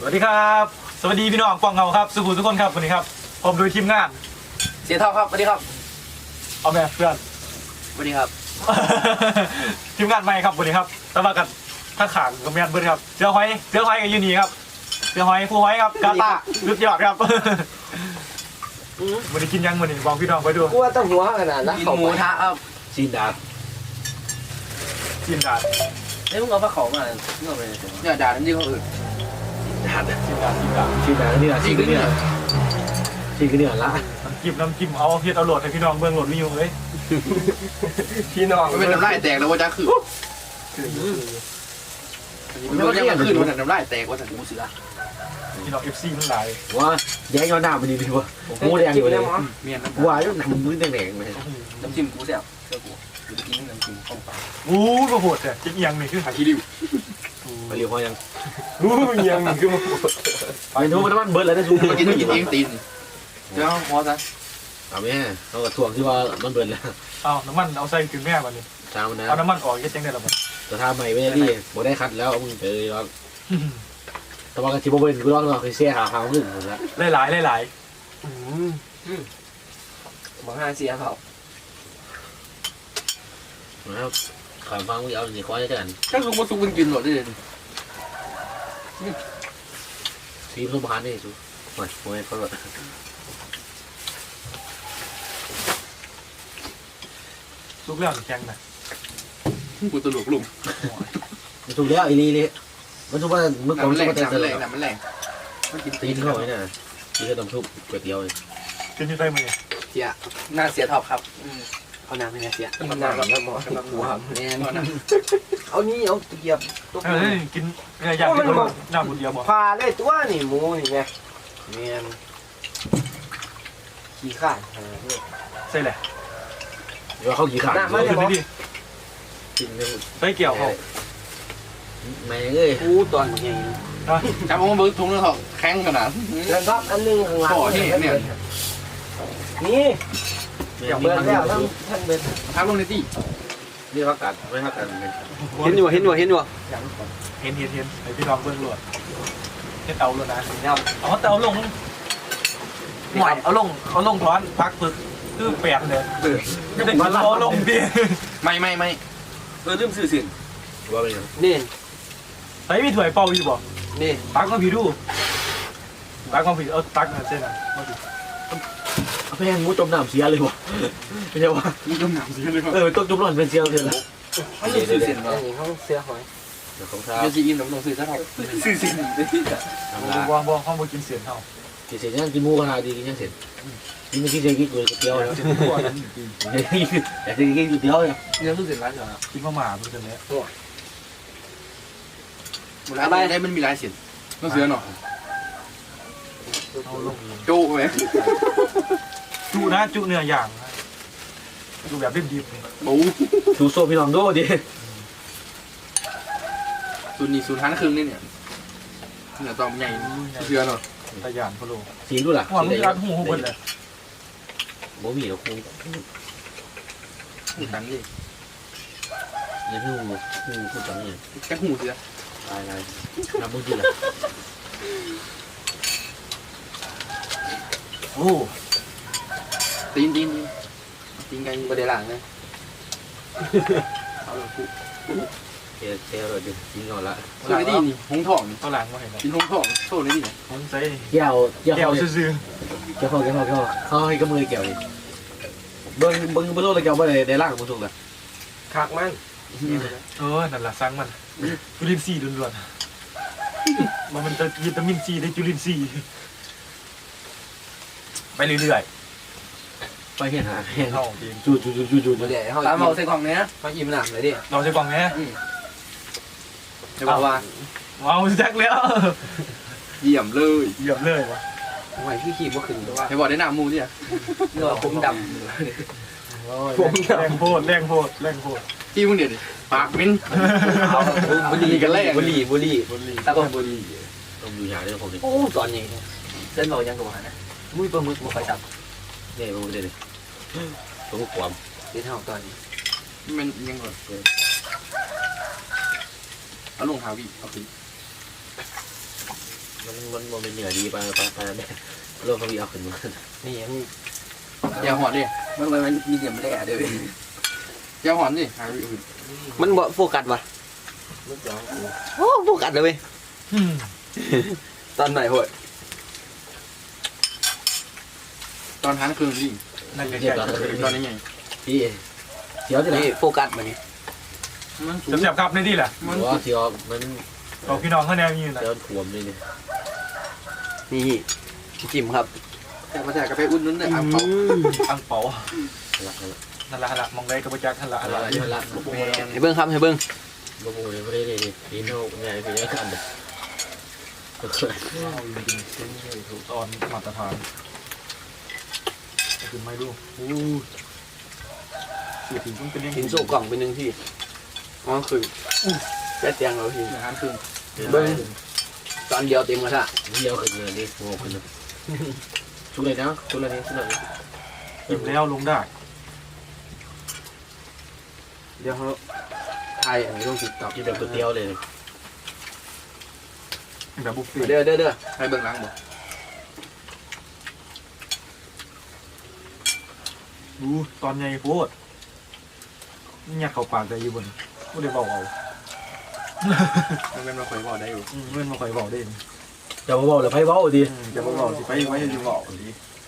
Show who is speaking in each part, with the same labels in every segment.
Speaker 1: วัสดีครับสวัสดีพี่น้องกวางเงาครับสุขุมทุกคนครับวันนี้ครับผมโดยทีมงาน
Speaker 2: เสียเท่าครับสวัสดีครับ
Speaker 1: เอาแม่เพื่อน
Speaker 2: สวัสดีครับ
Speaker 1: ทีมงานใหม่ครับวันนี้ครับแต่ว่ากันถ้าขางกับแมนเบิร์ดครับเสือหอยกับยูนีครับเสือหอยผู้หอยครับกาตาลุดยอดครับวันนี้กินยังวันนี้บอกพี่น้องไปดู
Speaker 3: กูว่าต้องหัวขนาดนั้น
Speaker 2: กินหมูทะครับ
Speaker 3: จีนดาบ
Speaker 1: กินดาด
Speaker 2: เฮ้ยมึงเอาผ้าขาวมาเงาไปเนี่ยด่าน้ำจิ้มเขาอื่น
Speaker 3: ดาบ
Speaker 1: กินดาด
Speaker 3: จีนดาบนี่แหละจีนก็เนี่ยจีนก็เนี่ยละ
Speaker 1: น้ำจิ้มเอาเพียรเอาโหลดให้พี่น้องเบื้องโหลดวิวเลย
Speaker 3: พี่น้อง
Speaker 2: มันเป็นน้ำลายแตกแล้วว่าจะคือมันไม่ยังขึ้นวันน้ำลายแตกว่าสันมูเสือ
Speaker 1: พี่น้องFCมันหลาย
Speaker 3: ว่าแย่งย้อนหน้ามันดีดีวะหมูแดงอยู่เลย
Speaker 2: เมียนน้ำ
Speaker 3: ว่าอยู่หนังมือแดงๆไป
Speaker 2: น้ำจิ้มกูเสียบเสื้อกูกูจะกินน้ำจิ้มข้าวปลา
Speaker 1: อู้ก็โหดแต่จิ๊กยังนี่คือหา
Speaker 2: ขี้ริ้ว
Speaker 3: ไปเรียวพอยัง
Speaker 1: ยังคือ
Speaker 3: ไปนู้นมันเบิร์ดเลยได้สูง
Speaker 2: มากินต้องกินเองตีนเดี๋ยวพอซะ
Speaker 3: เอาแม่เขาก็ทวงที่ว่ามันเบิร์ดแล้ว
Speaker 1: เอาน้ำมันเอาใส่ถึงแม่มันเลย
Speaker 3: ตามมันนะ
Speaker 1: เอาน้ำมันออกยังได้หรอมัน
Speaker 3: แต่ถ้าไม่ได้ที่บ่ได้คัดแล้วมึงไปเลยร้องแต่ว่าก็ที่บ่เป็นกูร้องเราเคยเสียหาขึ้นหมดแล้ว
Speaker 1: หลาย
Speaker 2: มาห้าเสียเขา
Speaker 3: แล้วความฟังมึงเอาสิคอยกัน
Speaker 2: ถ้าลุงมาซุกมึงกินหมดได้เลย
Speaker 3: ทีมสมพันธ์นี่สูโอ้ยโอ้ยเขาแบบ
Speaker 1: ทุกเรื่องแข็งนะ
Speaker 2: กูตลกลุง
Speaker 3: มันถูกแล้วอีนี่นี่มันถูกว่าเมื่อก่อนมันถูกว่าแต่เสร็จแล้ว
Speaker 2: มันแรงมันกิน
Speaker 3: ตีนเข้าไว้น่ะตีนก็ต้องทุบก๋วยเตี๋ยวเลย
Speaker 1: กินที่ใต้มือ
Speaker 2: เสียหน้าเสียท็อปครับเอาน้ำให้แม่เสีย
Speaker 3: มันหนักแล้วหมอสำหรับหัว
Speaker 2: แน่นอนนะ
Speaker 3: เอานี่เอาตะเกียบตก
Speaker 1: กินอย่างที่เขาหน้าบุญเดียวบอก
Speaker 3: พาได้ตัวนี่หมูนี่ไงเมียนขี้ข้าน
Speaker 1: ใส่แหละ
Speaker 3: เดี๋ยวเขาขี้ข้าน
Speaker 1: ขึ้นได้ดิ
Speaker 3: กิน
Speaker 1: ใส่เกี่ยวเขา
Speaker 3: แม่เอ้ย
Speaker 4: กูตอนใหญ่
Speaker 2: จับเอามาเบิร์ทุงแล้วเขาแข็งขนาด
Speaker 4: แล้วก็อันนึงข้างหลัง
Speaker 2: ต่อที่เนี่ย
Speaker 4: นี่
Speaker 3: อย่าง
Speaker 4: เบิ
Speaker 3: เบิ
Speaker 4: ร์
Speaker 3: ร์
Speaker 4: น
Speaker 3: น
Speaker 4: แล้
Speaker 3: แล้ว ว
Speaker 4: ท่านเบิร์น
Speaker 2: ทับลงในที่
Speaker 3: นี่พักกันไม่พักกัน
Speaker 4: เห็นอยู่เห็นอยู่เห็นอยู่
Speaker 1: เห็นไอพี่น้องเบื้องหลวดเห็นเตาหลวดนะเอาเตาลงหน่อยเอาลงท้อนพักฝึกคือแปดเลยไม่ได้กินเอาลงดิ
Speaker 2: ไม่ลืมสื่อสิ่ง
Speaker 3: ว่าเป็นยัง
Speaker 4: นี่
Speaker 1: ใส่มีถ้วยเป่าอยู่บ่
Speaker 4: นี่
Speaker 1: ตักมาผีดูตักมาผีเอาตักมาเส้นอ่ะ
Speaker 3: แม่งมูจมน้ำเสียเลยวะไม่ใช่ว่า
Speaker 2: มึงจมหนามสิเลย
Speaker 3: ต้องจมร้อนเป็นเสียเลยละ
Speaker 2: เขาลืมสื่อสิ่ง
Speaker 4: อันนี้ห้องเสื้อหอย
Speaker 3: เดี๋ยวของเท้า
Speaker 2: เดี๋ยวซีอินน้ำลงสื่อซะครับสื่อสิ่ง
Speaker 3: ทำละ
Speaker 1: บ่ห้องบ่กินเสียนเท่า
Speaker 3: กินเสร็จยังกินหมูขนาดดีกินยังเสร็จกินไม่กินเสร็จกินก๋วยเตี๋ยวแล้ว
Speaker 1: เสียนทั่วนั้น
Speaker 3: อยากกินก๋วยเตี๋ยวเนี่ย
Speaker 2: เรื่องสื่อสิ่งร้านเหรอ
Speaker 1: กินมาหมาเป็นตัวนี้
Speaker 2: ร้านได้มันมีลายเสียงต้องเสือหน่อย
Speaker 1: เอาลง
Speaker 2: โจ้ไหม
Speaker 1: จุนะจุเนื้อย่างจุแบบดิบ
Speaker 2: บู
Speaker 3: สูโซ่พี่น้องโดดิ
Speaker 2: ศูนย์นี่ศูนย์ห้าครึ่งนี่เนี่ยเนี่ยตอมใหญ่เสือหน่อย
Speaker 1: ๆตะยานพะโล
Speaker 3: สีดูล่ะ
Speaker 1: หัวมันรัดหูเบิดเลย
Speaker 3: บ่มีหรอกคง
Speaker 2: หูตังดิ
Speaker 3: ยังหูพูดจังเนี่ย
Speaker 2: แค่หูเสือ
Speaker 3: ตายน้ำมึงกินละ
Speaker 1: โอ้
Speaker 2: ตีนไก่
Speaker 4: ประเดี๋ยวหลังนะ
Speaker 2: เอาเลยกู
Speaker 3: เที่ยวเลยดิกินก่อนละ
Speaker 2: โซ่ในที่นี่หงทอง
Speaker 1: เอาหลังมาเห็นไหม
Speaker 2: กินหงทองโซ่ในที่ไหน
Speaker 1: ผมใส่
Speaker 3: แก้ว
Speaker 1: แก้วซื่อ
Speaker 3: เขาให้กำมือแก้วดิเบิ้งโลกเลยแก้วไม่ได้ล่างมันถูกละ
Speaker 4: คักมัน
Speaker 1: นั่นแหละสร้างมันจุลินทรีย์ล้วนๆมันจะวิตามินซีได้จุลินทรีย์ไปเรื่อย
Speaker 3: ไปเห็นหาเห็น
Speaker 1: ๆเข้าเอง
Speaker 3: จู
Speaker 4: ประเดี๋ยวเขา
Speaker 2: ตามเอาใส่กล่องเนี้ย
Speaker 4: เขาอิ่มหนักเลยดิ
Speaker 1: เราจะกล่องนี้
Speaker 4: จะบอกว่า
Speaker 1: ว้าวแจ็คแล้ว
Speaker 2: เยี่ยมเลย
Speaker 1: เหยียบเลยวะ
Speaker 4: หอยพี่ขี่บ่ขึ้นแต่ว่า
Speaker 2: ให้บอกได้หน้ามูเนี่ย
Speaker 4: เนื้อผมด
Speaker 1: แรงโพด
Speaker 2: ที่มึงเดี๋ยวปากมิ้น
Speaker 4: ำเอาบุหรี่กันแรกบุหรี่ตะกอนบุหรี่
Speaker 3: ต้องอยู่ยาด้วยผมดิ
Speaker 4: โอ้ตอนนี้เส้นบอกยังกับว่านะมุ้ยปลาหมึกบ่ค่อยตับ
Speaker 3: เนี่ยผมเดี๋ยวตัวความ
Speaker 4: เดี๋ยวเท่าตอนนี้
Speaker 2: มันยังก่อนเอาลงหาวิเอาไป
Speaker 3: มันมันเป็นเหนือดีไปแม่โลกเขามีเอาขึ้นมา
Speaker 4: นี่ยัง
Speaker 2: อย่าหอนดิ
Speaker 4: มันมีเหลี่ยมแร่ด้วย
Speaker 2: อย่าหอนดิหาวิธีอื่น
Speaker 4: มันบ่โฟกัสว่ะโอ้โฟกัสเลยเว้ยตอนไหนโหด
Speaker 2: ตอนทานคืนดิ
Speaker 1: นั่นไง
Speaker 3: เจ็บตอน
Speaker 2: ตอนนี้ไง
Speaker 3: พี่เสียวที่ไหน
Speaker 4: นี่โฟกัสมานี่
Speaker 2: มันสูง
Speaker 1: เสียบครับในที่แหละ
Speaker 3: มันว่าเสียวมัน
Speaker 1: เอาพี่น้องเขาแนวยืนนะ
Speaker 3: เสียวถ่วมเลยเนี่ย
Speaker 4: นี่จิ้มครับ
Speaker 2: แต่มาแจกกาแฟอุ่นนั่นเลยอ่ะเขา
Speaker 1: อังเปา
Speaker 3: ละ
Speaker 1: นั่นละมองได้กระปุกจักนั่นละ
Speaker 3: ละละ
Speaker 4: ให้เบิ้งครับให้เบิ้ง
Speaker 3: บ่โมเลยไม่ได้เลยนี่เท่าไงพี่ได้กันเลย
Speaker 1: ตอนมาตรฐานคือไม่รู้สื่อถึงต้องเป็นเรื่อง
Speaker 4: กินโซ่กล่องเป็นหนึ่งที่อ๋อคือแค่เตียงเราที
Speaker 2: ทานคืน
Speaker 4: เบิ้งตอนเดียวเต็มกระทะ
Speaker 3: เดียวขึ้นเลยนี่โง่ขึ้นเลยชุดเลยนะชุดเลยนี่ชุดเลย
Speaker 1: อิ่มแล้วลงได้
Speaker 4: เดี๋ยวเขาถ่ายอันนี้ลงติ๊กต็อก
Speaker 3: กินแบบก๋วยเตี๋ยวเลย
Speaker 1: แบบบุฟเฟ่
Speaker 4: เด้อ
Speaker 2: ให้เบิ่งล้างบ่
Speaker 1: ดูตอนใหญ่โคตรเนี่ยเขาปากใจอยู่บนไม่ได้บอกเอา
Speaker 2: มันเป็นมาคอยบอกได้อยู่
Speaker 1: เงินมาคอยบอกได้
Speaker 3: จะมาบอกหรือไพ่เบ้าดี
Speaker 1: จะมาบอกสิไปไว้อยู่บอกดี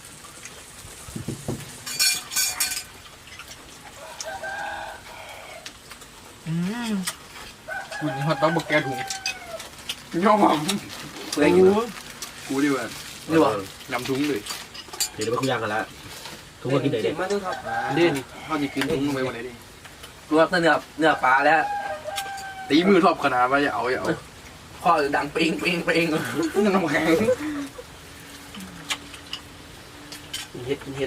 Speaker 2: คุณฮอตต้องบอกแกถุงย่อม
Speaker 4: เพื่อนกิน
Speaker 2: กูดีกว่า
Speaker 4: นี่วะ
Speaker 2: นำถุงเลย
Speaker 3: เดี๋ยวไปคุยกันละทุกคนกินไหน
Speaker 4: เจ็
Speaker 3: เด็
Speaker 4: บ
Speaker 3: ก
Speaker 4: มากด้วยครับ
Speaker 2: ดิเขาจะกินถุงลงไปวันไหนดิ
Speaker 4: รวมเนื้อปลาแล้ว
Speaker 2: ตีมือทอบขนาดว่าอย่าเอา
Speaker 4: ข้อดังเปิง
Speaker 2: น้ำแข็ง
Speaker 4: กินเฮ็ด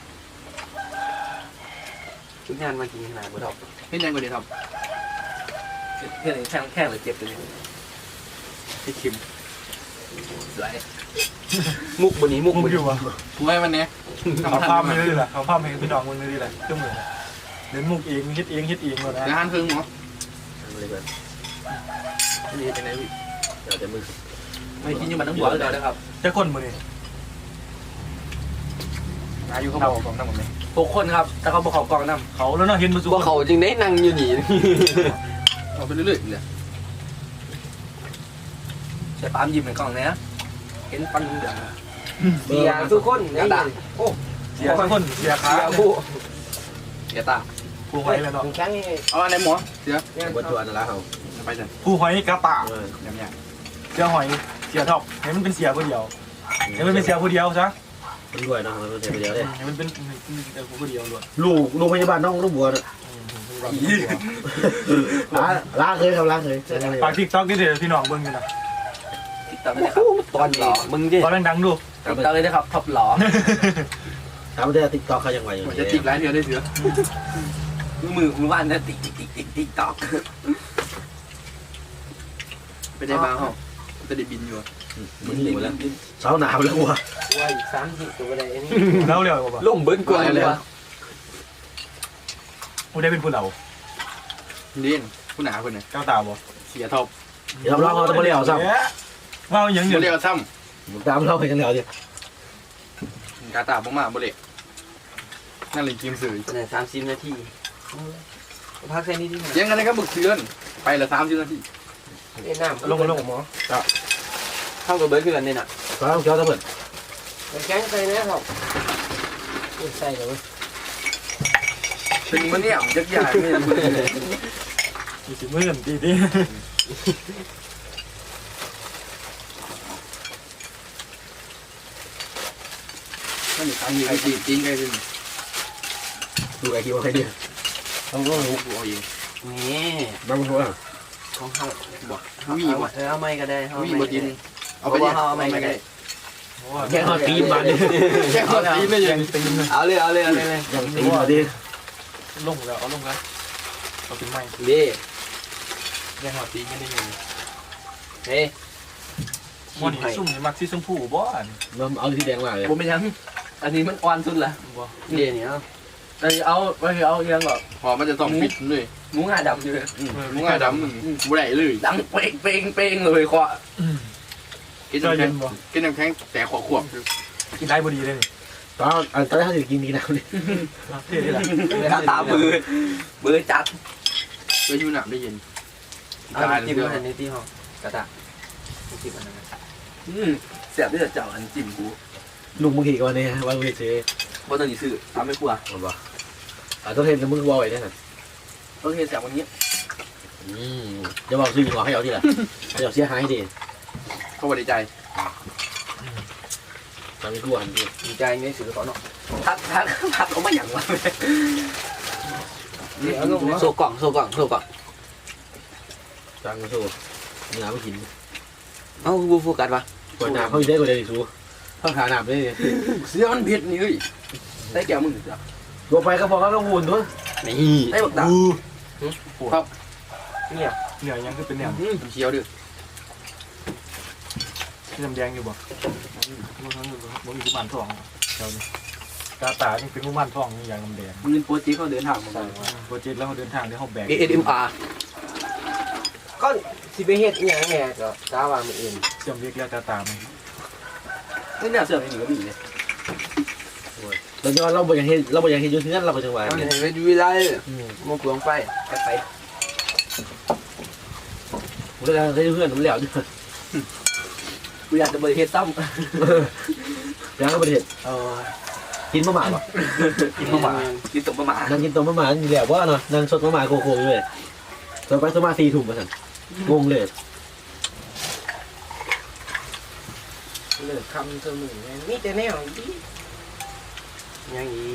Speaker 4: ทุกงานมากินขนาดบ่ดอก
Speaker 2: เห็นยังกว่านี้ครับ
Speaker 4: เพื่อนแข้งหรือเจ็บตัวนี้
Speaker 2: ให้คิม
Speaker 4: สวยมุกบนนี้มุก
Speaker 1: มึง
Speaker 4: บน
Speaker 1: อยู่วะ
Speaker 2: กูให้มันเนี้ย
Speaker 1: เขาภาพไม่ได้เลยเขาภาพให้พี่น้องมึงไม่ได้เลยเจ้ามือเล่นมุกเองคิดเองเลยนะ
Speaker 2: เดี๋ยวหันครึ่งหมอ
Speaker 3: เลยกัน
Speaker 4: นี่เป็นไงพี่
Speaker 3: เดี๋ยวจะมือ
Speaker 4: ไม่กินอยู่มันต้องหัวเลยนะครับ
Speaker 1: จะก้นมือนี่
Speaker 2: อายุเขาบอกผมทั้งหมดเลย
Speaker 4: 6 คนครับแต่เขาบอกเขากองน้
Speaker 1: เขาแล้วเนาะเห็นมือ
Speaker 4: ำ
Speaker 1: สู
Speaker 4: พวกเขาจึงได้นั่งอยู่นี่
Speaker 2: เอาไปเรื่อยๆเลย
Speaker 4: ใส่ปามยิ้มในกล่องนะเห็นฟันเหลืองเสียทุกคนกระดาษโอ้
Speaker 1: เสียคนเสียขา
Speaker 4: เสียผู้เสียตา
Speaker 1: ผู้หอยแล้วเนาะ
Speaker 4: แข้งนี่
Speaker 2: เอาอะไรหมอเสีย
Speaker 3: บนตัวนั่นละเขา
Speaker 2: ไปจ้ะ
Speaker 1: ผู้หอยกระตา
Speaker 2: ยังยัง
Speaker 1: เสียหอยเสียท็อปให้มันเป็นเสียผู้เดียวให้มันเป็นเสียผู้เดียวซะ
Speaker 3: มันรวยเนาะมันเดียวเลย
Speaker 1: ให้มันเป็นผู้เดียวล้วน
Speaker 3: ลูกพยาบาลน้องลูกบัวเนี่ยล้างเคยครับล้างเคย
Speaker 1: ฝากทิกต็อกนี่เดี๋ยวพี่น้องเบิ้งอยู่นะ
Speaker 4: ติ๊กต็อกเลยครับตอนหล่อมึงดิ
Speaker 1: ตอนดังๆดู
Speaker 4: ติ๊กต็อกเลยนะครับท็อปหล่อ
Speaker 3: ถามว่าได้ติ๊กต็อกเขายังไงอยู่
Speaker 2: มันจะจิกหลายเดือนได้เสือ
Speaker 4: มือว่านนะติ๊กต็อก
Speaker 2: เป็นยังไงบ้างเขาจะได้บินอยู่
Speaker 3: มันหนีแล้วเช้าหนาวแล้วว่ะ
Speaker 4: ว่าอีก30ตัวอะไรนี่
Speaker 1: แล้วเร็วกว่า
Speaker 4: ล่มเบิ้ลกว่าเลยวะ
Speaker 1: ผู้ได้เป็นผู้เหล่า
Speaker 2: เล่นผู้หนาคนไหน
Speaker 1: ก้าวตาบ่
Speaker 2: เสียท็อป
Speaker 3: เดี๋ยวเราจะมาเลี้ยวซ้
Speaker 1: ว่าอย่าง
Speaker 2: โบ
Speaker 1: เดียว
Speaker 2: เล่ซ้
Speaker 3: ำตามเราไปกันแล้วดิ
Speaker 2: ำกาตาบ้มาโบเล่นั่นเลยกิมสื่อ
Speaker 4: เนี่ย30 นาทีพักแค่นี้ที่ไหน
Speaker 2: ยังไงก็บึกเสือนไปละ30 นาที
Speaker 4: เล่นน้ำ
Speaker 1: ลงหมอ
Speaker 4: เข้ากับเบิ้ลคือกันเนี่ยน่ะ
Speaker 3: ก็ต้องเกี่ยวกับเพื่อน
Speaker 4: แข้งใส่นะครับใส่เลย
Speaker 2: เป็นมันเนี่ยยักษ์ใหญ่ไม่ยัง
Speaker 1: มีสิมือกันดี
Speaker 2: นั่นนี่ตั้งอยู่ไอ้จีจริงไงสิ
Speaker 3: ดูไอ้คิวใครดีต้องรู้
Speaker 2: กูเอาเอง
Speaker 4: นี่
Speaker 3: บ้างมันรู้อ่ะ
Speaker 4: ของเขา
Speaker 2: บอก
Speaker 4: เอาไม่ก็ได้
Speaker 2: วิ่งบดินเอา
Speaker 4: เอา
Speaker 2: ไป
Speaker 4: ไป
Speaker 2: เนี่ย
Speaker 4: เอาไม่ก็ได้
Speaker 3: แค่เขาตีมาดิ
Speaker 2: แค่ขอตีนได้ยัง
Speaker 1: ตีน
Speaker 4: เอาเลย
Speaker 3: ยังตีมาดิ
Speaker 1: ลงแล้วเอาลงแล้วเอาเป็นไม้
Speaker 4: เด้
Speaker 1: ยังหัวตีกันได้ยัง
Speaker 4: เฮ้ย
Speaker 1: วันนี้ซุ่มนี่มักสีชมพูบ่อัน
Speaker 3: มันเอาที่แดงมาเลย
Speaker 4: ผมไม่ยังอันนี้มันอ่อนสุดละ
Speaker 1: บ่
Speaker 4: เด้เนี่ยเอายังแบบ
Speaker 2: พอมันจะต้องปิดเลย
Speaker 4: หมูงาดำอยู่เลย
Speaker 2: มึงง่ายดำมึงบุได้เลย
Speaker 4: ดังเป้งเลยเคาะ
Speaker 2: กิน
Speaker 1: จอย
Speaker 2: น้ำแข็
Speaker 1: เย็
Speaker 2: ง
Speaker 1: นบ่
Speaker 2: กินน้ำแข็งแต่ขวบ
Speaker 1: กินได้พอดีเลยนี่
Speaker 3: ตอนแรกเขาจะกินดีนะนี่
Speaker 1: เท่ดีแหละ
Speaker 4: ตามือจัด
Speaker 2: เพื่อยูหนักได้เย็น
Speaker 4: เอาจิ้มอันนี้ที่ห้องกระตะจิ้มอันนั้น
Speaker 5: เสียบที่จะเจ้าอันจิ้มกู
Speaker 3: ลุงมึงขี่ก่อนเนี่ยวันเวที
Speaker 5: บ่ต้องซื้อทำไม่กลัว
Speaker 3: หมดป่ะต้องเห็นมึงบอกไว้เนี่ย
Speaker 5: ต้องเฮ็ดเสียบวันนี้
Speaker 3: จะบอกซื้อหัวให้เอาที่ละให้เอาเสียหายดิ
Speaker 2: เขาบริใจ
Speaker 3: ตอนนี้กลัวทันที
Speaker 4: ดีใจไม่ซื้อเขาเนาะ
Speaker 5: ทัดออกมาอย่างวะ
Speaker 4: โซกล่อง
Speaker 3: จังสู้มีน้ำไม่กิน
Speaker 4: เอ้าบูโฟกัสปะ
Speaker 3: กดน้ำเขาอยู่ได้กว่าเดิมสู้ต้องหาน้ำได้
Speaker 2: เสียมันเผ็ดนี่เฮ้ย
Speaker 5: ได้แก้วมึงจ้ะ
Speaker 3: ตัวไปก็พอแล้วก็วุ่นด้วย
Speaker 4: นี่
Speaker 5: ได้บักดา
Speaker 1: เนี่ยเหนียวยังคือเป็นเหนียว
Speaker 2: เชียวดื้อ
Speaker 1: ที่น้ำแดงอยู่บ่บ่มีกุมารทองแถวนี้กาตานี่เป็นกุมารทองนี่อย่างน้ำแดง
Speaker 5: มึงโปรตีเขาเดินทางมา
Speaker 1: โปรเจกต์แล้วเขาเดินทางที่เขาแบก
Speaker 4: ASMR ก็สิไปเฮ็ดอีหยังแหน่ก็กล้าว่ามันเอง
Speaker 1: เชื่อมเรียกแล้วกาตามัน
Speaker 5: ไม่น่าเสื่อมอีกก็มีเลย
Speaker 3: เราจะเราบ่อยากเห็นเราบ่อยากเห็นอยู่ที่นั่นเราก็จังหวะ
Speaker 4: เอาเห็นไปดูวิไลมันเปลืองไฟ
Speaker 5: ไป
Speaker 3: ผมจะได้เพื่อนผมแล้วด้วย
Speaker 5: กูอยากจะบริเฮ็ดซ้
Speaker 3: ยังก็ประเทศ
Speaker 5: ำเออ
Speaker 3: กินมะหม่าป่ะ
Speaker 5: กินมาหมากินตกมาหมา
Speaker 3: นั่งกินต้มมะหม่านี่แหละว่าเนาะนั่งสดมะหม่าโคโค่อยู่เลยตอนไปสมา4 ทุ่มมาสั่นงงเลย
Speaker 4: เลิกคำเธอมึงมีแต่แนวอียังอี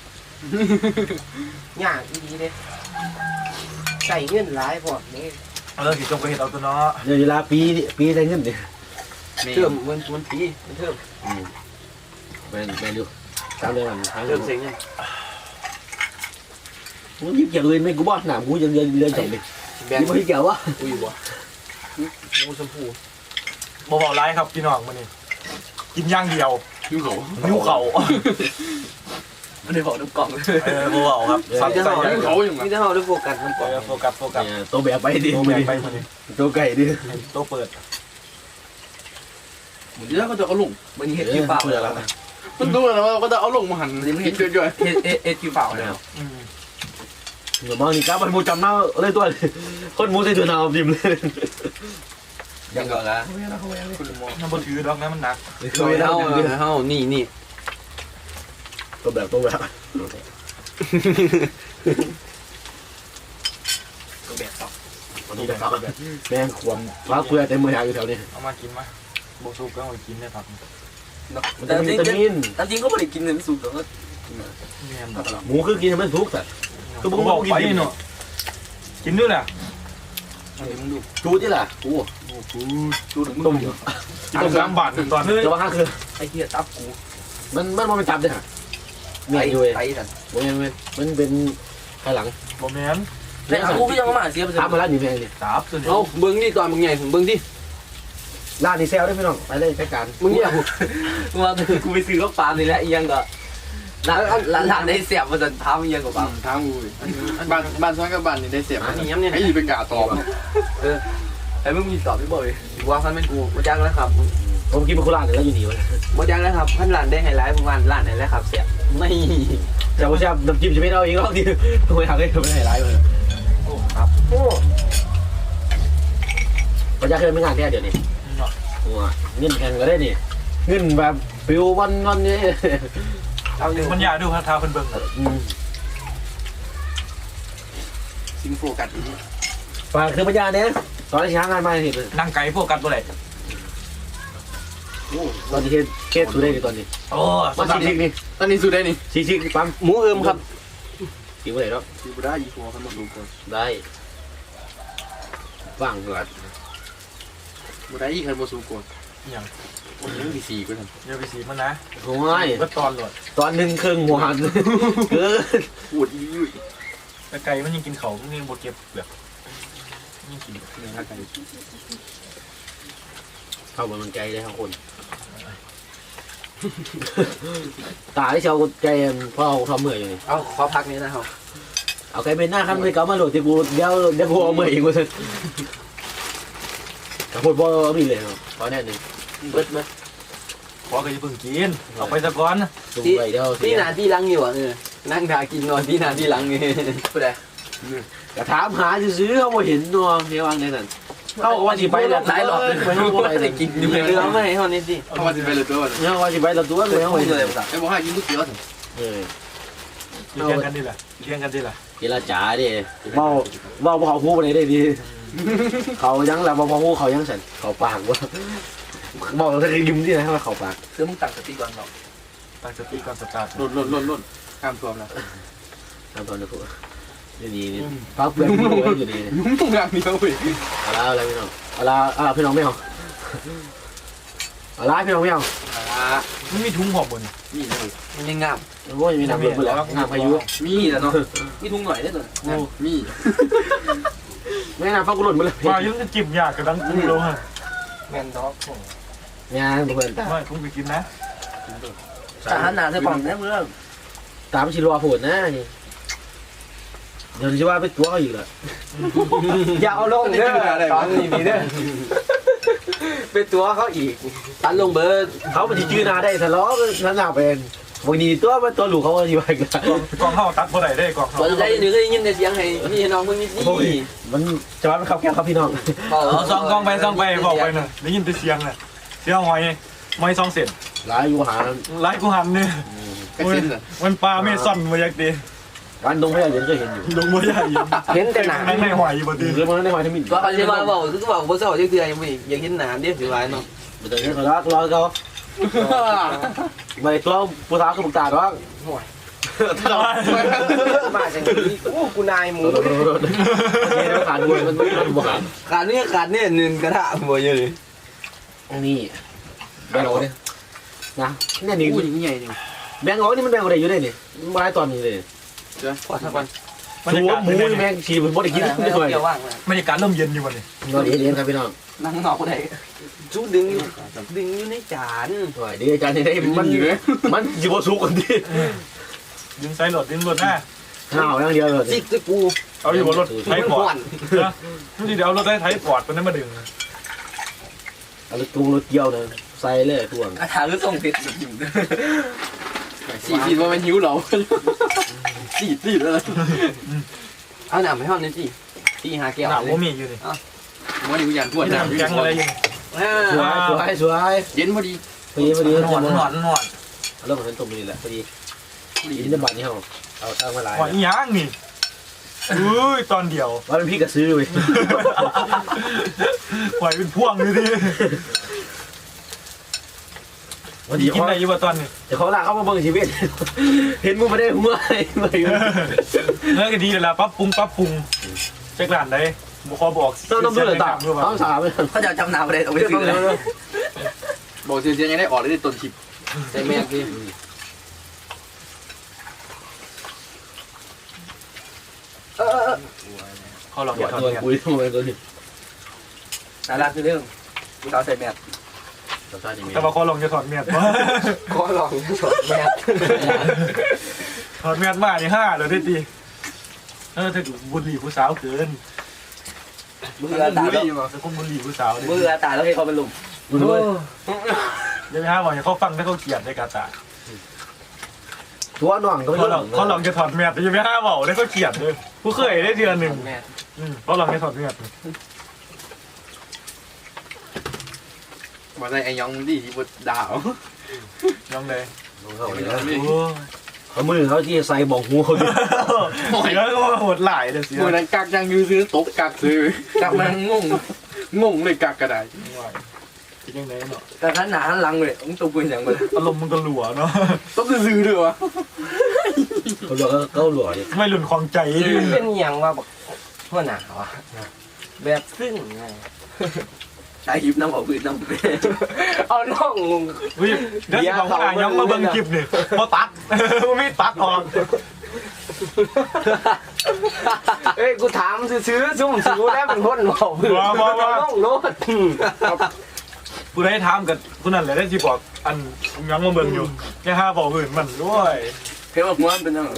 Speaker 4: ยากอีดีเด้ใส่เงินหลายพอนี่
Speaker 1: สิจงไปเห็นเอาตัวเนาะ
Speaker 3: เดี๋ยวเวลาปีได้เงินดิ
Speaker 4: เทิมมันปีมันเทิม
Speaker 3: แมนอยู่ตามเดือนทาง
Speaker 4: เทิมเสียงยัง
Speaker 3: มึงยิบเกี่ยวเลยไม่กูบอกหนามกูยังเรือนจบดิ
Speaker 4: แบง
Speaker 3: ยิบไม่เกี่ยววะ
Speaker 4: อุ้ยบ่มูชมพู
Speaker 1: บ่เบาร้ายครับพี่น้องมื้อนี้กินอย่างเดียว
Speaker 2: ยุ่งเขา
Speaker 1: นิ้วเข่า
Speaker 5: ไม่ได้บอกน้ำกล่อง
Speaker 1: บ่เบาครับ
Speaker 4: สามจะ
Speaker 1: ใส่
Speaker 4: เท่า
Speaker 2: ยุ่งเขาอย่าง
Speaker 4: มี
Speaker 2: ไร
Speaker 4: แต่เท่าด้วยโฟกัสมันก่อน
Speaker 1: โฟกัส
Speaker 3: ตัวแบบไปดิ
Speaker 1: โตแบกไปมื้อนี้
Speaker 3: ตัวไก่ดิ
Speaker 1: โตเปิด
Speaker 2: เดี๋ยวก็จะเอาลง
Speaker 5: มันเฮ็ดคิวเปล่า
Speaker 3: เปิดแล้ว
Speaker 2: มันดูนะว่าก็จะเอาลงมาหั่นกินจ่อย
Speaker 5: เฮ็ดคิวเปล่าแล้ว
Speaker 3: เหมือนมองนี่ครับมันมูจำหน้าเลยตัวคนมูใส่ตัวหนาวดิมเลย
Speaker 5: ยังก่อนละ
Speaker 1: มันบ่ถือดอกนะมันหนัก
Speaker 3: คือไม่ได้
Speaker 4: เท่านี่
Speaker 3: ตัวแบบ
Speaker 5: ตัวแบบต่อ
Speaker 3: วันนี้นะครับแมงขวมฟ้าเปลือยเต็มมือหาอยู่แถวนี้
Speaker 1: เอามากินมาบ่สุกก็เอากินได้ครับ
Speaker 3: มันจะมีวิตามิน
Speaker 5: แต่จริงก็ไม่ได้กินเงินสูงแต่ก็
Speaker 1: แม่นบ่
Speaker 3: หมูคือกินให้มันสุกแต่
Speaker 1: คือบ่บอกไปเนาะกินด้วยแหละ
Speaker 2: มึงดู
Speaker 3: จูที่ล่ะกู
Speaker 5: ดูถึง
Speaker 3: ต้ม
Speaker 1: กิน3 บาทตอนนี้
Speaker 3: จะว่าคือ
Speaker 5: ไอ้เหี้ยตับกู
Speaker 3: มันไม่จับเลยฮะเมียอยู่เลย
Speaker 5: ไตสัน
Speaker 3: มันเป็นภายหลัง
Speaker 1: บ่แม่น
Speaker 5: แต่กูก็ยังมาเสียไป
Speaker 3: ถามมาแล้วนี่แม่นี่
Speaker 1: ตับตัวนี้
Speaker 4: เอาเบิ้งนี่ก่อนมึงใหญ่เบิ้งดิ
Speaker 3: ร้านนี้แซวได้พี่น้องไปเลยจัดการ
Speaker 4: มึงเนี่ย
Speaker 5: กูว่ากูไปซื้อข้าวปลานี่แหละยังก็ร้านได้เสียบมาจนท้ามันยังกับปลา
Speaker 2: ทางกูบ้านซ้อนกับบ้านนี่ได้เสียบ
Speaker 4: อันนี้ย้ำเนี่ย
Speaker 2: ไอ้ยี่เป็นกาตอบ
Speaker 5: ไอ้มึงมีตอบพี่บอย
Speaker 4: ว่าพันเป็นกูมาจ้างแล้วครับ
Speaker 3: ผมกินเป็นโคราชแล้วอยู่นี่วะ
Speaker 4: มาจ้างแล้วครับพันหลานได้ไฮไลท์ประมาณหลานไหนแล้วครับเสียไม่
Speaker 3: แต่ว่าชอบน้ำจิ้มจะไม่เอาเองหรอกที่ทำไมทำได้ไม่ให้ร้ายเลย
Speaker 4: ครับโอ้
Speaker 3: ปัญญาเคยไม่งานแค่เดี๋ยวนี้เงินแพงก็ได้นี่เงินแบบฟิววันนี้
Speaker 4: เอาอยู่
Speaker 1: มันอยากดูพาทาเพิ่นเบิ่งน่ะ
Speaker 2: ซิงโฟกัสอีก
Speaker 3: ฝากคือปัญญาเนี่ยตอนที่ช้างงานมาเห็น
Speaker 1: นั่งไก่โฟกัสบ่ได้
Speaker 3: ตอนที่เคสสุดได้ตอนนี้
Speaker 1: โอ้
Speaker 3: มาชิคนี่
Speaker 2: ตอนนี้สุดได้นี่
Speaker 3: ชิคปั๊ม
Speaker 4: หมูเอิมครับ
Speaker 3: กินอะไรแล้ว
Speaker 2: คือได้ยี่หัวกันหมดดูก่อน
Speaker 3: ได้ว่างก่อน
Speaker 2: บุได้ยี่ใครมาสู้ก่อน
Speaker 1: อย่าง
Speaker 2: วันนี้มี4ก็ท
Speaker 1: อย่าไปสีมันนะ
Speaker 3: โอ้ย
Speaker 1: ก็ตอนโหลด
Speaker 3: ตอนหนึ่งครึ่งหัวหันเกิน
Speaker 2: ำปวดอียุ่ย
Speaker 1: แต่ไก่มันยังกินเขามันยังบ่เก็บเปลือกยังกิน
Speaker 2: เนี่ยฮะกัน
Speaker 3: เข้าบนมันใจเลยทั้งคน ตาที่เชาวใจเพราะเอาทำเมื่อยอยู่นี่
Speaker 4: เอาขอพักนี้นะครับ
Speaker 3: เอาไก่เป็นหน้าขั้นไปเก่ามาโหลดที่กูเดี๋ยวกูเอาเมื่อยอีกกูจะกับพูดบ่เอาดีเลยเพราะแน่นึง
Speaker 5: เบิด
Speaker 1: พอก็จะเพิ่งกินเอาไปซะก่อน
Speaker 3: ดูไปเดี๋ยว
Speaker 5: ที่นาที่หลังอยู่อ่ะนั่งทากินนอนที่นาที่หลังนี่ผู้ใด
Speaker 3: กระถามหาซื้อเขาบ่เห็นนัวเมียวางในนั้นเขาว่าสิไปแล้ว
Speaker 5: หลายรอบเลย
Speaker 3: ไม่รู้ว่าไป
Speaker 5: กินอยู่เรือไม่ให้เท่านี้สิ
Speaker 2: เขามาจะไปเลยตัว
Speaker 3: เนี่ยว่าสิไปแล้วตัวเลยเขา
Speaker 5: พูด
Speaker 3: เห็น
Speaker 5: เลยภาษา
Speaker 2: ไอ้บอกให้กินก๋วยเตี๋ยวสิ
Speaker 3: เออ
Speaker 1: เลี้ยงกันดิล่ะเลี้ยงกันดิล่ะ
Speaker 3: เจรจาดิเมาบ่เขาพูดไปได้ดีเขายังแล้วบ่พอพูดเขายังสั่นเขาปากว่าบอกแล้วยิ้มที่ไหนว่าเขาปาก
Speaker 5: ซื้อมึงตั้งสติก่อนเนาะ
Speaker 1: ตั้งสติก่อนสตาร์ท
Speaker 2: ล่นข้ามตัวแล้ว
Speaker 3: ทำตอนนี้พูดนี่พักเพื่อนพูดไว้อยู่ดี
Speaker 2: ยุ่งตรงกลางเดียวเว้ย
Speaker 3: เอาละอะไรพี่น้องเอาละพี่น้องไม่เอาเอาละพี่น้องไม่เอา
Speaker 1: มันมีถุงหอบบน
Speaker 2: นี่เลย
Speaker 5: มันยังงาม
Speaker 3: โอ้ยมีน้ำเบิดแล้วน้ำพายุ
Speaker 2: มีแล้วเนาะ
Speaker 5: มีทุ่งหน่อยได้ตัว
Speaker 2: มี
Speaker 3: แม่น้ำฟ้ากุหลาบมาเลย
Speaker 1: ว่ายังจะจิ้มยากกระดังถุงลงฮะ
Speaker 5: แมนด็อก
Speaker 3: งานเพื่อน
Speaker 1: ไม่ถุงไปกินนะ
Speaker 5: ทหารนาใส่ปอมเนี่ยเมื่อ
Speaker 3: ตามชิลัวโผล่นะนี่เดี๋ยวจะว่าไปตัวเขาอีกเหรอ
Speaker 5: อย่าเอาลงเด้อตอนนี้นี่เด้อเป็นตัวเขาอีกตันลงเบิร์ด
Speaker 3: เขาไปจื้อนาได้ทะเลาะนั่นหนาเป็นบางทีตัวมันตัวหลูกเขาอยู่ไปกัน
Speaker 1: กองเข้าตัดบ่ได้ได้กองเข้า
Speaker 5: ตอนใจหนึ่งก็ยินแต่เสียงให้พี่น้องมึงนี่
Speaker 3: มันจะว่ามันขับแก้วครับพี่น้อง
Speaker 1: เอาซองกองไปซองไปบอกไปน่ะได้ยินแต่เสียงน่ะเสียงหอยไม่ซองเสร็จ
Speaker 3: ร้ายอยู่หา
Speaker 1: ไล่กูหันเนี่ย
Speaker 2: กระเซ็นเลย
Speaker 1: มันปลาไม่ซ่อนมาอยากดี
Speaker 3: วันตรงพยาเย็นก็เห็นอยู่
Speaker 1: ลงมาใหญ่
Speaker 5: เห็นแต่หนา
Speaker 1: ไม่ไม่หอยบ่ดี
Speaker 3: เรื่องมันได้มาทั้งมิตร
Speaker 5: ว่าเขาจะมาบอกคือบอกว่าเศร้าเชื่อยังไม่ยังเห็นหนาเดียวสิวายเนาะ
Speaker 3: มันจะเห็นเขารักรอเขาไม่ตัวผู้สาวก็บุกตาหรอก
Speaker 5: มาจังนี้โอ้กูนายหมู
Speaker 3: เนี่ยขาดด้วยมันบวก
Speaker 5: ขาดเนี่ยหนึ่งกระทะหัวเยอะเลย
Speaker 3: นี่แบงค์โอ้เนี่ยนะเนี่ยนี่
Speaker 2: อู้ยังใหญ่เนี่ย
Speaker 3: แบงค์โอ้นี่มันแบงค์อะไรอยู่ได้เนี่ยมาตอนนี้เลย
Speaker 5: พอสักวัน
Speaker 1: บรรยากาศ
Speaker 3: หมูแมงชีมันบ่ได้กิน
Speaker 5: ไม่
Speaker 3: ไม่ค่อย
Speaker 5: เกี่ยวว่าง
Speaker 1: บรรยากาศเริ่มเย็นอยู่วันนี้
Speaker 3: นอนเย็นครับพี่น้อง
Speaker 5: นั่งนอกกูได้จูดึงอยู่ในจาน
Speaker 3: ดีอาจารย์นี่ได้มันจิบสุกันดิ
Speaker 1: ดึงไซส์รถดึงรถหน้า
Speaker 3: ห่าวอย่างเดียวเลย
Speaker 5: จิกตะกู
Speaker 1: เอาอยู่บนรถไทยปอดนะนี่เดี๋ยวเอารถไทยปอดมันนั้นมาดึง
Speaker 3: เอาตูรถเกี่ยวเลยใส่เลยท่วง
Speaker 5: อาถาคือส่งติดอยู่
Speaker 2: สีว่ามันหิวเหรอสีแล้ว
Speaker 5: เอาหนามให้ห้องนี่สิตีหาแก้ว
Speaker 1: หนาว
Speaker 5: เลย
Speaker 1: ว่ามีอยู่นี่
Speaker 2: ว่าอยู่อย่างทั่ว
Speaker 1: ห
Speaker 2: ห
Speaker 1: นา
Speaker 2: น้าว
Speaker 1: แข็งอะไรอยู่
Speaker 3: สวย
Speaker 2: เย็นพอดี
Speaker 3: พอดี
Speaker 1: หนวดหนวดหนวด
Speaker 3: เริ่มเป็นตุ่มนี่แหละพอดีอินเดบัตนี่เขาเอาตั้งมาหลาย
Speaker 1: หวานย่างนี่อุ้ยตอนเดียว
Speaker 3: ว่าเป็นพี่กระซื้อเลย
Speaker 1: หวานเป็นพ่วงเลยดิ
Speaker 3: วัน
Speaker 1: ดี
Speaker 3: นี้
Speaker 1: กินอะไรอยู่วะตอนนี้
Speaker 3: เดี๋ยวเขาลากเข้ามาเบิ่งชีวิตเห็นมึงไม่ได้หัวอะไรเลย
Speaker 1: เนื้อก็ดีเลยล่ะปั๊บปรุงเช็คร้านได้บุคอบอก
Speaker 3: ต้องดูเลยต่างต้องสามเลย
Speaker 5: เขาจะจำนำอะไรเอาไปซื้อเลย
Speaker 2: บอกเสียงยังได้ออกได้ต้นคลิป
Speaker 5: ใช่ไหมพี่
Speaker 1: เขาลอง
Speaker 3: หั
Speaker 1: อย่าว ทอด
Speaker 3: ตัว
Speaker 1: เมียด
Speaker 3: คุยทำไมตัวนี้
Speaker 5: น่ารักคือเรื่องกูเอาใส่แมส
Speaker 1: แต่ว่าเขาลองจะถอดเมียด
Speaker 5: ขอลองสดแมส
Speaker 1: ถอดเมียดมานี่5เลยได้ดีถ้าบุหรี่ผู้สาวเกิน
Speaker 5: มือตาแล้ว
Speaker 1: แต่คนบุหรี่ผู้สาว
Speaker 5: มือตาแล้วให้เขาเป็นลุม
Speaker 3: ดูด้วย
Speaker 1: เดี๋ยวไปหาบอกอย่าเขาฟังถ้าเขาเกลียดในกาตา
Speaker 3: ตัวน่องก็ไม่
Speaker 1: เขาลองจะถอดเมียดอย่าไปหาบอกได้เขาเกลียดเลยผู้เคยได้เดือนหนึ่ง
Speaker 5: แมส
Speaker 1: เขาลองจะถอดเมียด
Speaker 2: บอกได้ไอ้ยองดีที่บดดาว
Speaker 1: ยังเลย
Speaker 3: เขามือเขาที่ใส่บอกหูเขาดิ
Speaker 1: เสียก็โหดหลายเลยเสีย
Speaker 2: เมื่อนั้นกักยังยื้อซื้อตกกักซื้อกักมันงงเลยกักกระได
Speaker 1: คิดยังไงเนาะ
Speaker 5: แต่ขันหนาขันหลังเลยมึงตัวปืนอย่างมัน
Speaker 1: อารมณ์มันก็หลัวเนาะ
Speaker 2: ต้องซื้อด้วยวะ
Speaker 3: เขาหลอกเขาหลอกดิ
Speaker 1: ไม่หลุนของใจดิ
Speaker 5: เป็นอย่างว่าแบบหัวหนาวะแบบซึ่งไงใช้หิบน้ำเอาปืนน้ำเอาน้องงง
Speaker 1: วิเดี๋ยวของอ่านยังมาเบิ่งคลิปนี่พอตัดไม่ตัดออก
Speaker 5: เอ้ยกูถามซื้อซุ่มซื้อแล้วเป็นคนบอกปืนน้องโน้ต
Speaker 1: ผู้ใดถามกับผู้นั้นแหละได้ที่บอกอันยังมาเบิ่งอยู่แค่5บอกอื่นมันด้วย
Speaker 5: เห็นว่าหัวมันเป็นยังไง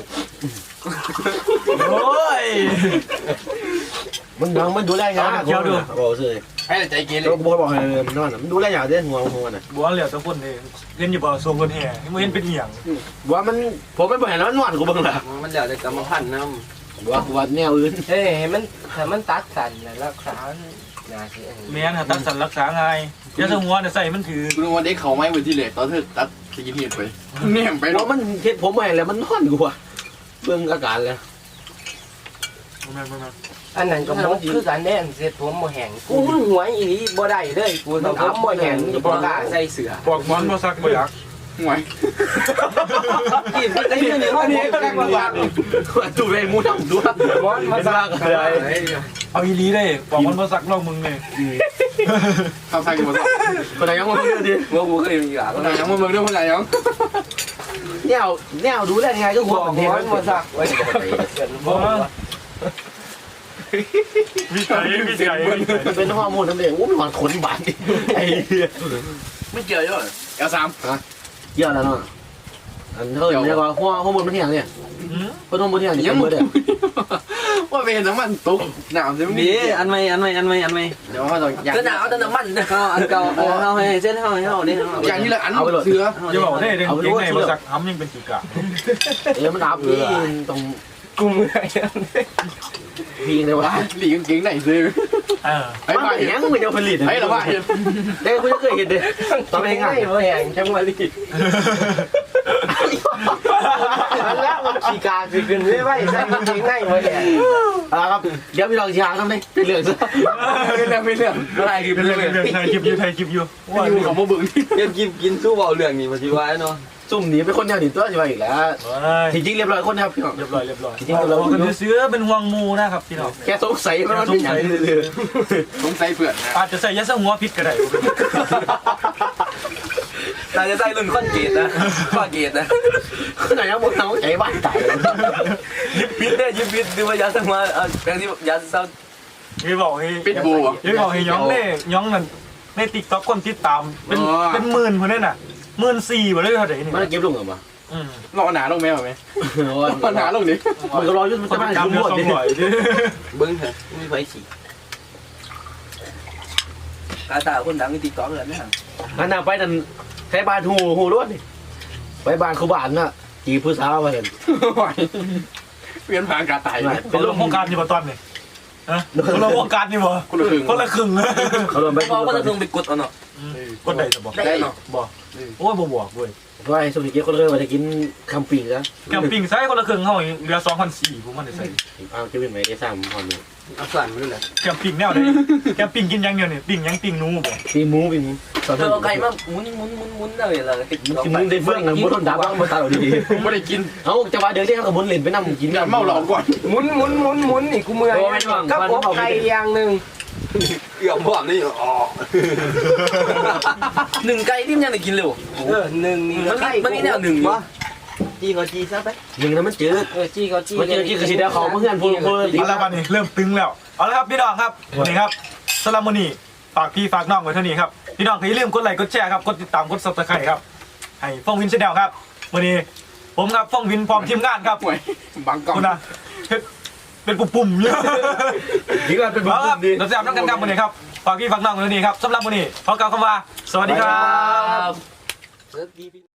Speaker 1: โอ้ย
Speaker 3: มันยังมันดูแลงานบอกเลย
Speaker 1: ไอ
Speaker 2: ให้แต่ใจเกเร
Speaker 3: เราบอกให้มันนอนมันดูแลอย่างเด้หัวน่ะ
Speaker 1: บัวเหลียวตะคนนี่เห็นอยู่บ่ทรงคนแห่ไม่เห็นเป็นเหี่ยง
Speaker 3: ว่ามันผมไม่บอกให้แล้วมันนอนกูบ้างล่ะ
Speaker 5: มันเดี๋ยวจะกรรมพันธุ์น้
Speaker 3: ว่าแนวอื่น
Speaker 5: ำเฮ้ยมันถ้ามันตัดสันแล้วรักษานาที
Speaker 1: แม่นตัดสันรักษาง่ายยาสมัวเนี่ยใส่มันถือ
Speaker 2: กูนึกว่าได้เขาไม้ไว้ที่เหล็กตอนเธอตัดสกินเฮดไปเนี่ยไป
Speaker 3: เพ
Speaker 2: เนาะ
Speaker 3: ราะมันเฮ็ดผมไม่แล้วมันนอนกูอ่ะเบิ่งอาการแล้ว
Speaker 5: อันนั้นก็มันคือการแน่นเสร็จผมบ่แห้งกูหัวอีนี้บ่ได้เลยกูต้องผมบ่แห้งบ่กล้าใส่เสื้อ
Speaker 1: ปอกมอนบ่ซักบ่อยาก
Speaker 2: ห่วย
Speaker 5: กินได้เงินนี่ว่านี่ก็ได้กว่า
Speaker 3: ดูเลยมูทั้งดู
Speaker 5: มอนมาซัก
Speaker 1: เอาอีลีได้ปอกมอนบ่ซักลองมึงเลย
Speaker 2: ทำใส่กันหมดแล้ว
Speaker 3: คนไหนยังมาเบิ่งดิ
Speaker 5: ว่ากูเคยมีหลาน
Speaker 2: คนไหนยังมาเมืองด้วยคนไหนยัง
Speaker 3: แนวดูแลยังไงก็หัว
Speaker 5: บ่
Speaker 3: มัน
Speaker 5: ม
Speaker 3: เท
Speaker 5: อนมาซักไว้เกินบ่
Speaker 1: วิจัย
Speaker 3: มันเป็นฮอร์โมนนั่นเองโอ้มันหวานขนบาดนี่ไอ้เหี้ย
Speaker 2: ไม่เกี่ยวเยอะL3
Speaker 3: เยอะแล้วเนาะอันเท่าอย่างนี้ก็ฮอร์โมนมันเที่ยงเนี่ยฮอร์โมนเที่ยงนี่ยังบ่ได้
Speaker 2: ว่าเป็นน้ำมันตกหนาวใช่ไหม
Speaker 4: นี่อันใหม่
Speaker 2: เดี๋ยวว่าต้องอย่าง
Speaker 5: ก็หนาวแต่น้ำมัน
Speaker 4: เอาอันเก่าเอาให้เส้นเฮาให้เฮานี่
Speaker 2: อย่างนี้แหละอันเสือ
Speaker 1: อย่าบอกได้เด้งเก่งในบ่ซักทำยังเป็นจุกะ
Speaker 3: มันอับนี่ตรง
Speaker 5: กูเมื่อย
Speaker 3: พีงเลยวะ
Speaker 2: หลีกางเกงไหนซื้อ ไอ้
Speaker 3: มัน
Speaker 2: บ้า
Speaker 3: เป็น
Speaker 2: เห็น
Speaker 3: ยังมันจะผลิต
Speaker 2: ไอ้ละบ้าเห็น
Speaker 3: เด็กคุณจะเคยเห็นเด็กตอนเป็นไง
Speaker 5: บ่แห้งจังว่าลีมันแล้วมันขี้กาคือขึ้นไว้ใส่กางเกงในบ่แห้ง
Speaker 3: เอาละครับเดี๋ยวพี่ลองช้างทำดิเป็นเรื่องซะ
Speaker 2: ไม่เรื่องไม่เรื่อง
Speaker 4: อะไรคือ
Speaker 1: เป็นเรื่องไทยคลิปอยู่
Speaker 2: ว่าอยู่ของพวกบึงที่
Speaker 4: เรื่องกินสู้เบาเรื่องนี้มาสิว่าเนาะ
Speaker 3: ซุ่มหนีเป็นคนแนวหนีตัวใช่ไหมอีกแล้ว
Speaker 1: เ
Speaker 3: จริงๆเรียบร้อยคนนะครับพี่น้อง
Speaker 1: รียบร้อยเป็นเสื้อเป็นห่วงมูนะครับพี่น้อง
Speaker 3: แค่สงสัยมันเป็นอย่างนี้เลย
Speaker 2: สงสัยเพื่อนนะ
Speaker 1: อาจจะใส่ยาสมัวพิษก็ได้
Speaker 4: น่าจะใส่รุ่นคอนเกตนะคอนเกตนะ
Speaker 3: ขนาดยังหมดน้องใจบ้านตายเลย
Speaker 4: ยิบพิษได้ยิบพิษดูว่ายาสมาแปลงที่ยาเศร้า
Speaker 1: พี่บอกให้
Speaker 2: ปิดบูอ่ะ
Speaker 1: พี่บอกให้ย้องเน่ย้องนั่นในติ๊กต็อกคนติดตามเป็นหมื่นคนนั่นน่ะ14,000บ่ได้เท่าไหร่นี่
Speaker 3: มันเก็บลงเหรอวะ
Speaker 2: รอหนาลงแม่ไหมรอหนาลงดิ
Speaker 3: มันก็รอยุ่งมัน
Speaker 1: คน
Speaker 3: จะมา
Speaker 1: จำ
Speaker 3: ยุ่ง
Speaker 1: เนื้
Speaker 3: ห
Speaker 1: อ
Speaker 3: มด
Speaker 1: สอง
Speaker 3: ดิ
Speaker 1: ร้อยดิ
Speaker 4: เบิ้งเถอะไม่ไฟฉีกาตาคนดังในติ๊กต็อกเลยนะ
Speaker 3: อันน่ะไปนั่นใช้บ้านหูรวดนี่ไปบ้านเขาบ้านน่ะจีผู้สาวมาเห็น
Speaker 2: เปลี่ยนผ่านการตาย
Speaker 1: เป็นโรงโครงการอยู่บ่ตอนนี่ฮะโรงโครงการนี่บ่
Speaker 2: คนละครึ่ง
Speaker 1: คนละครึ่ง
Speaker 3: เขาโดนไป
Speaker 4: เพราะว่าจะต้องไปกดเอาเนาะ
Speaker 1: กดได้จะบอก
Speaker 4: ได้เนาะ
Speaker 1: บอกโอ้ยบ่บอกเว้ย
Speaker 3: ว่าไอ้สุนิเกียคนเลยว่าจะกินคำปีกนะ
Speaker 1: แคมปิ้งใส่คนละครึ่งเฮาเหลือ2,400ผมมันได้ใส่
Speaker 3: เอาจะเป็นไหมได้สามพอมี
Speaker 4: เอาสั่นมาด้วยนะ
Speaker 1: แคมปิ้งแนวใดแคมปิ้งกินอย่างเดียวนี่ปิ้งหยังปิ้งหนูบ่
Speaker 3: ปีหมูปีหมูสอน
Speaker 4: เธอเอาไก่มาหมุนเลยเราติด
Speaker 3: กินได้เฟื่องนะมุนดับบ้างมาตาเราดี
Speaker 2: ไม่ได้กิน
Speaker 3: เอาจะว่าเดี๋ยวนี้เขากับมุนเล่นไปนั่งกิน
Speaker 2: อย่าเมาหลอกก่อน
Speaker 5: หมุนนี่กูเมื่อยกับอบไก่อย่างนึง
Speaker 4: เกือบพร้อมนี่อ๋อหนึ่งไก่ที่มันยังได้กินเร็ว
Speaker 5: 1นี่
Speaker 4: มันมีแนวหนึ่งวะจีก็จีซะไป
Speaker 3: ยิงแล้วมันจืด
Speaker 5: จี้ก็จี้
Speaker 3: มันจืดกินกระสีเดียวเขาเพื่อนพูด
Speaker 1: เอาละวันนี้เริ่มตึงแล้วเอาละครับพี่น้องครับนี่ครับสำหรับมื้อนี้ฝากพี่ฝากน้องไว้เท่านี้ครับพี่น้องอย่าลืมกดไลค์กดแชร์ครับกดติดตามกด Subscribe ครับให้ฟ้องวินชาแนลครับวันนี้ผมครับฟ้องวินพร้อมทีมงานครับ
Speaker 2: ห่วยบังกล้อง
Speaker 1: คุณนะเป็นปุ่มๆเยอะ
Speaker 3: ยิงแล้วเป็นบุ
Speaker 1: เอาครับ
Speaker 3: ดี
Speaker 1: เราจะทำกันครับวันนี้ครับฝากพี่ฝากน้องไว้เท่านี้ครับสำหรับวันนี้ขอกล่าวคำว่าสวัสดีครับ
Speaker 4: เลิกดี